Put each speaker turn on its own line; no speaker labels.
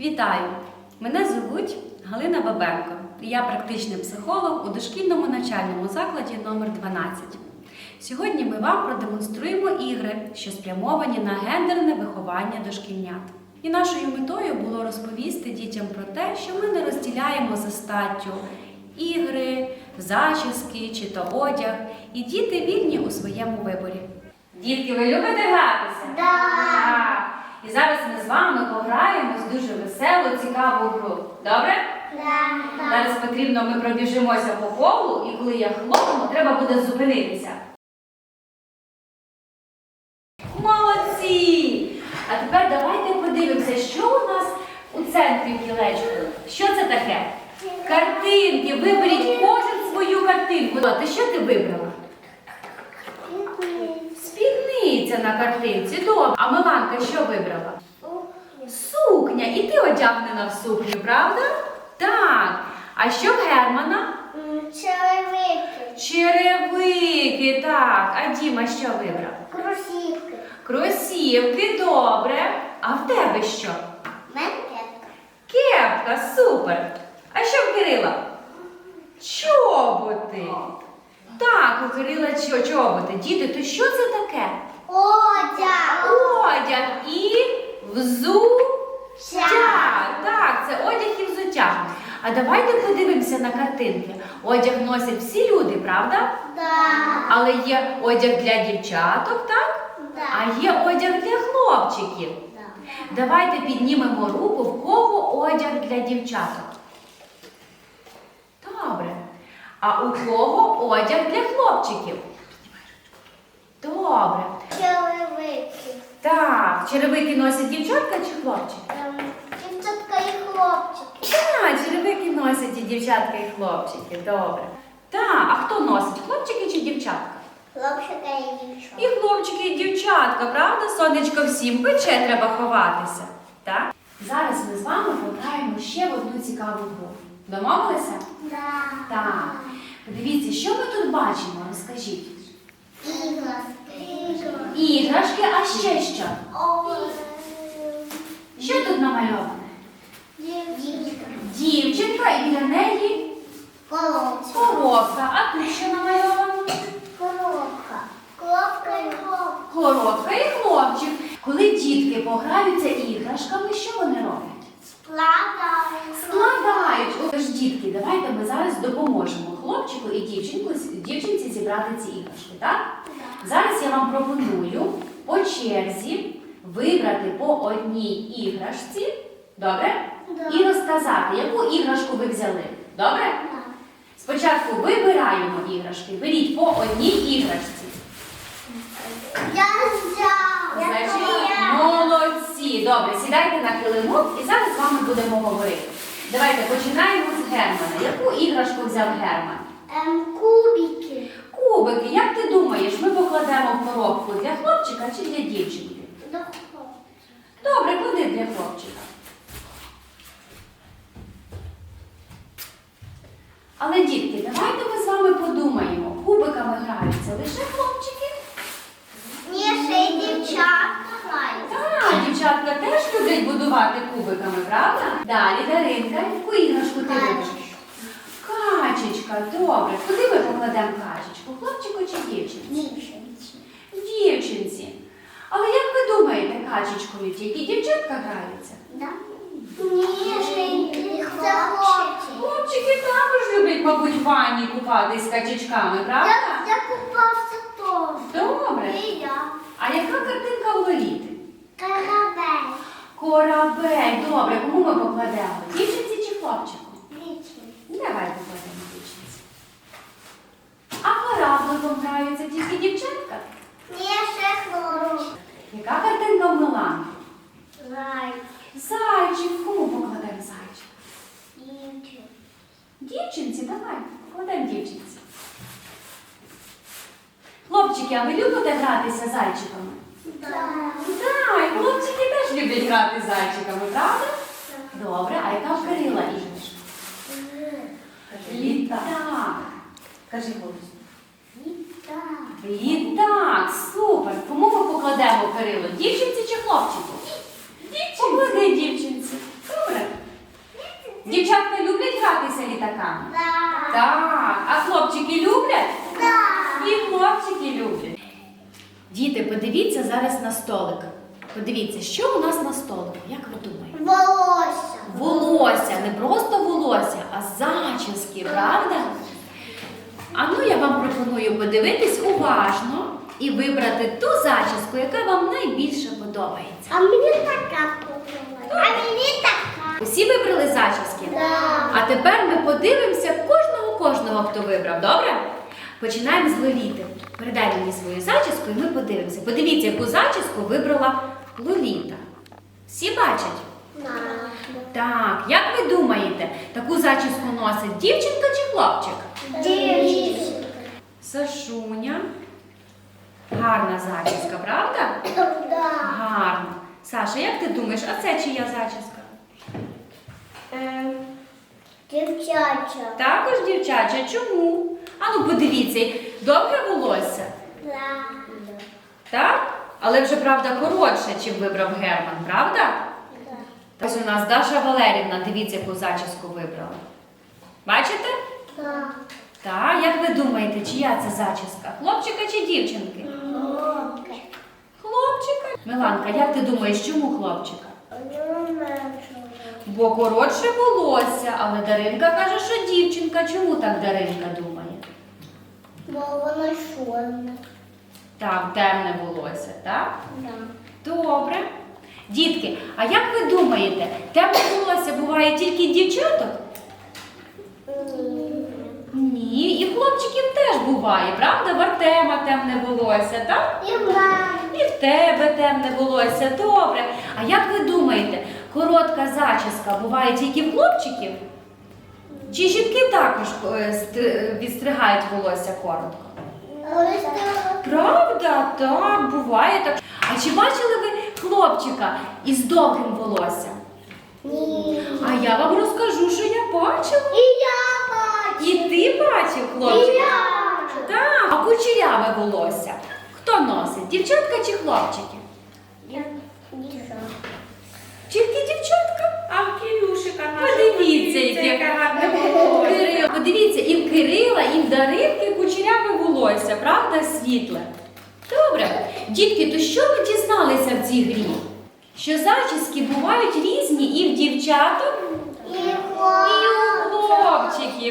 Вітаю! Мене звуть Галина Бабенко. Я практичний психолог у дошкільному навчальному закладі номер 12. Сьогодні ми вам продемонструємо ігри, що спрямовані на гендерне виховання дошкільнят. І нашою метою було розповісти дітям про те, що ми не розділяємо за статтю ігри, зачіски чи то одяг, і діти вільні у своєму виборі. Дітки, ви любите гратися?
Так.
І зараз ми з вами пограємо з дуже веселу, цікаву гру. Добре?
Так.
Зараз потрібно, ми пробіжимося по колу, і коли я хлопну, треба буде зупинитися. Молодці! А тепер давайте подивимося, що у нас у центрі кілечку. Що це таке? Картинки. Виберіть кожен свою картинку. Ти що ти вибрала? Спідниця на картинці. Добре. А Миланка що вибрала? Сукня. І ти одягнена в сукню, правда? Так. А що в Германа?
Черевики.
Черевики, так. А Діма що вибрав?
Кросівки.
Кросівки, добре. А в тебе що?
Кепка.
Кепка, супер. А що в Кирила? Чоботи. Так, у Кирила чоботи. Діти, то що це таке?
Одяг.
Одяг і взуття. Так, це одяг і взуття. А давайте подивимося на картинки. Одяг носять всі люди, правда?
Так.
Але є одяг для дівчаток, так? А є одяг для хлопчиків. Давайте піднімемо руку, в кого одяг для дівчаток. Добре. А у кого одяг для хлопчиків? Добре.
Черевики.
Так, черевики носять дівчатка чи хлопчики?
Дівчатка і хлопчики.
Так, черевики носять і дівчатка, і хлопчики. Добре. Так, а хто носить? Хлопчики чи дівчатка?
Хлопчика і дівчатка.
І хлопчики, і дівчатка, правда? Сонечко всім пече, треба ховатися. Так? Зараз ми з вами пограємо ще в одну цікаву гру. Домовилися? Так. Подивіться, що ми тут бачимо? Розкажіть.
Іграшки.
Іграшки, а ще що? Що тут намальоване?
Дівчатка.
Дівчинка і біля неї коробка. А тут що намальовано?
Коробка. Коробка і хлопчик.
Коробка і хлопчик. Коли дітки пограються іграшками, що вони роблять? Складають. Отож, дітки, давайте ми зараз допоможемо хлопчику і дівчинці зібрати ці іграшки, так? Зараз я вам пропоную по черзі вибрати по одній іграшці, добре? І розказати, яку іграшку ви взяли. Добре? Спочатку вибираємо іграшки, беріть по одній іграшці.
Я взяла.
Значить, молодці. Добре, сідайте на килимок і зараз з вами будемо говорити. Давайте починаємо з Германа. Яку іграшку взяв Герман?
Кубики.
Кубики. Як ти думаєш, ми покладемо в коробку для хлопчика чи для дівчинки? Добре, куди для хлопчика? Але, дітки, давайте ми з вами подумаємо. Кубиками граються лише хлопчики?
Ні, ще й дівчатка грають.
Так, дівчатка теж люблять будувати кубиками, правда? Далі, Даринка, яку іграшку ти любиш? Качечка, добре. Куди ми покладемо качечку? Хлопчику чи дівчинці? Дівчинці. Але як ви думаєте, качечкою тільки дівчатка граються?
Ні, ще й хлопчики.
Хлопчики також люблять, мабуть, в ванні купатись з качечками, правда?
Я купався теж.
Добре.
І я.
А яка картинка у Лоліти?
Корабель.
Корабель. Добре, кому ми покладемо? Дівчинці чи хлопчику?
Вічний.
Давай покладемо дівчинці. А корабликом граються тільки дівчатка?
Ні, ще хлопчик.
Яка картинка в Миланки?
Зайчик.
Зайчик. Кому покладемо зайчик?
Дівчик.
Дівчинці, давай, покладемо дівчинці. Хлопчики, а ви любите гратися зайчиками?
Так.
Так, і хлопчики теж люблять грати з зайчиками, правда? Добре, а яка в Кирила іграшка? Літак. Кажи голосно. Літак, супер. Кому ми покладемо Кирило? Дівчинці чи хлопчику? Поклади дівчинці. Добре. Дівчатка люблять гратися літаками?
Да.
Так. А хлопчики люблять?
Да.
І хлопчики люблять. Діти, подивіться зараз на столик. Подивіться, що у нас на столику? Як ви думаєте?
Волосся.
Волосся, не просто волосся, а зачіски, правда? А ну я вам пропоную подивитись уважно і вибрати ту зачіску, яка вам найбільше подобається.
А мені така подобається. А мені така.
Усі вибрали зачіски?
Да.
А тепер ми подивимося кожного, хто вибрав, добре? Починаємо з Лоліти. Передай мені свою зачіску і ми подивимося. Подивіться, яку зачіску вибрала Лоліта. Всі бачать?
Да.
Так, як ви думаєте, таку зачіску носить дівчинка чи хлопчик?
Дівчинка.
Сашуня. Гарна зачіска, правда?
Да.
Гарна. Саша, як ти думаєш, а це чия зачіска?
Дівчача.
Також дівчача. Чому? А ну подивіться, довге волосся,
Да.
так? Але вже, правда, коротше, чим вибрав Герман, правда?
Да.
Ось у нас Даша Валерівна, дивіться, яку зачіску вибрала. Бачите?
Да.
Так, як ви думаєте, чия це зачіска? Хлопчика чи дівчинки? Хлопчика. Миланка, як ти думаєш, чому хлопчика? Бо коротше волосся, але Даринка каже, що дівчинка. Чому так Даринка думає?
Бо вона чорна.
Так, темне волосся, так?
Да.
Добре. Дітки, а як ви думаєте, темне волосся буває тільки в дівчаток? Ні, і хлопчиків теж буває, правда? В Артема темне волосся, так?
І в мене.
І в тебе темне волосся, добре. А як ви думаєте, коротка зачіска буває тільки в хлопчиків? Чи жінки також відстригають волосся коротко? Правда, так, буває так. А чи бачили ви хлопчика із довгим волоссям?
Ні.
А я вам розкажу, що я бачила.
І я бачу.
І ти бачив
І
хлопчика?
я.
Так. А кучеряве волосся хто носить? Дівчатка чи хлопчики? Тільки дівчатка?
А в Кирюшика
Подивіться, яке
гарне волосся.
Подивіться, і в Кирила, і в Даринки кучеряве волосся, правда, світле? Добре. Дітки, то що ви дізналися в цій грі? Що зачіски бувають різні і в дівчаток,
І
і у хлопчиків.